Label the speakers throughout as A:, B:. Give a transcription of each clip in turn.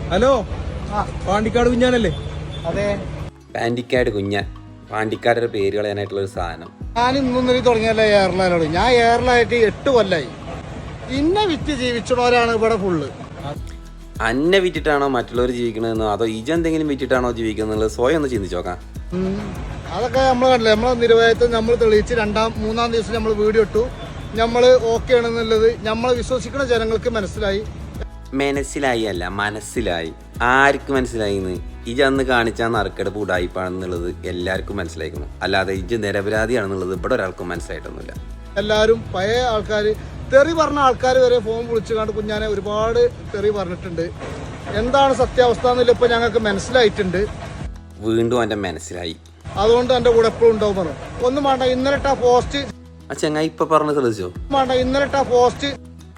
A: Hello, Pandikkad കുഞ്ഞാനല്ലേ?
B: അതെ,
C: പാണ്ടിക്കാട് കുഞ്ഞാൻ. പാണ്ടിക്കാരുടെ പേര് കളയാനായിട്ടുള്ള ഒരു സാധനം.
B: ഞാൻ ഇന്നൊന്നും തുടങ്ങിയല്ലേ എയർലൈനോട്. ഞാൻ എയർലൈനായിട്ട് 8 കൊല്ലായി. ഇന്നെ വിറ്റ് ജീവിച്ചവരാണ് ഇവിടെ ഫുള്ള്.
C: അന്നെ വിറ്റിട്ടാണോ മറ്റുള്ളവർ ജീവിക്കണമെന്നോ അതോ ഇജെന്തെങ്കിലും വിറ്റിട്ടാണോ ജീവിക്കുന്നത് സ്വയം ഒന്ന് ചിന്തിച്ചു നോക്കാം.
B: അതൊക്കെ നമ്മൾ കണ്ടില്ലേ, നമ്മളെ നിരവധിത്വം നമ്മൾ തെളിയിച്ച് മൂന്നാം ദിവസം നമ്മൾ വീഡിയോ ഇട്ടു. നമ്മൾ ഓക്കെ ആണെന്നുള്ളത് നമ്മളെ വിശ്വസിക്കുന്ന ജനങ്ങൾക്ക് മനസ്സിലായി.
C: മനസ്സിലായി അല്ല, മനസ്സിലായി. ആർക്ക് മനസ്സിലായിന്ന്? ഇജ അന്ന് കാണിച്ച നറുക്കെടുപ്പ് ഉടായിപ്പാണെന്നുള്ളത് എല്ലാവർക്കും മനസ്സിലായിരിക്കുന്നു. അല്ലാതെ ഇജ് നിരപരാധിയാണെന്നുള്ളത് ഇവിടെ ഒരാൾക്കും മനസ്സിലായിട്ടൊന്നുമില്ല.
B: എല്ലാവരും പഴയ ആൾക്കാർ, തെറി പറഞ്ഞ ആൾക്കാർ വരെ ഫോൺ വിളിച്ചു കണ്ട് കുഞ്ഞാനെ ഒരുപാട് തെറി പറഞ്ഞിട്ടുണ്ട്. എന്താണ് സത്യാവസ്ഥ എന്നില്ല ഇപ്പൊ ഞങ്ങൾക്ക് മനസ്സിലായിട്ടുണ്ട്.
C: വീണ്ടും എൻ്റെ മനസ്സിലായി.
B: അതുകൊണ്ട് എൻ്റെ കൂടെ എപ്പോഴും ഉണ്ടാവും പറഞ്ഞു. ഒന്നും വേണ്ട, ഇന്നലെ പോസ്റ്റ്
C: ആ ചങ്ങായി ഇപ്പൊ പറഞ്ഞ് ശ്രദ്ധിച്ചോ?
B: വേണ്ട, ഇന്നലെ പോസ്റ്റ്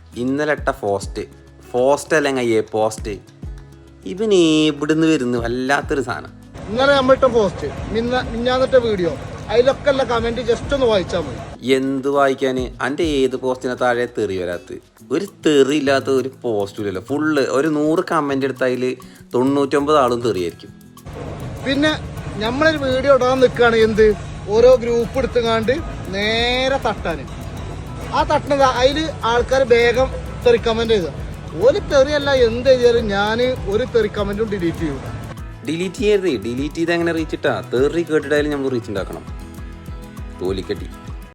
C: ഫോസ്റ്റ് അല്ലെങ്കിൽ പോസ്റ്റ് ഇവൻ എവിടുന്ന് വരുന്നു? വല്ലാത്തൊരു സാധനം.
B: ഇന്നലെ നമ്മളിട്ട പോസ്റ്റ്, മിഞ്ഞാന്നിട്ട വീഡിയോ, അതിലൊക്കെ ഉള്ള കമന്റ് ജസ്റ്റ് ഒന്ന് വായിച്ചാൽ മതി.
C: എന്ത് വായിക്കാന്? എൻ്റെ ഏത് പോസ്റ്റിനെ താഴെ തെറി വരാത്ത ഒരു തെറി ഇല്ലാത്ത ഒരു പോസ്റ്റില്ലല്ലോ. ഫുള്ള് ഒരു 100 കമന്റ് എടുത്ത അതിൽ 99 ആളും തെറിയായിരിക്കും.
B: പിന്നെ നമ്മളൊരു വീഡിയോ ഇടാൻ നിൽക്കുകയാണ്, എന്ത് ഓരോ ഗ്രൂപ്പ് എടുത്തുകാണ്ട് നേരെ തട്ടാന്. ആ തട്ടണത് അതിൽ ആൾക്കാർ വേഗം തെറി കമന്റ് ചെയ്ത ഒരു തെറിയല്ല, എന്ത് ചെയ്താലും ഞാൻ ഒരു തെറി കമന്റും ഡിലീറ്റ് ചെയ്യും.
C: ഡിലീറ്റ് ചെയ്ത് എങ്ങനെ റീച്ച് ഇട്ടാ? തെറി കേട്ടിട്ടായാലും നമ്മൾ റീച്ച് ഉണ്ടാക്കണം. തോലിക്കട്ടി.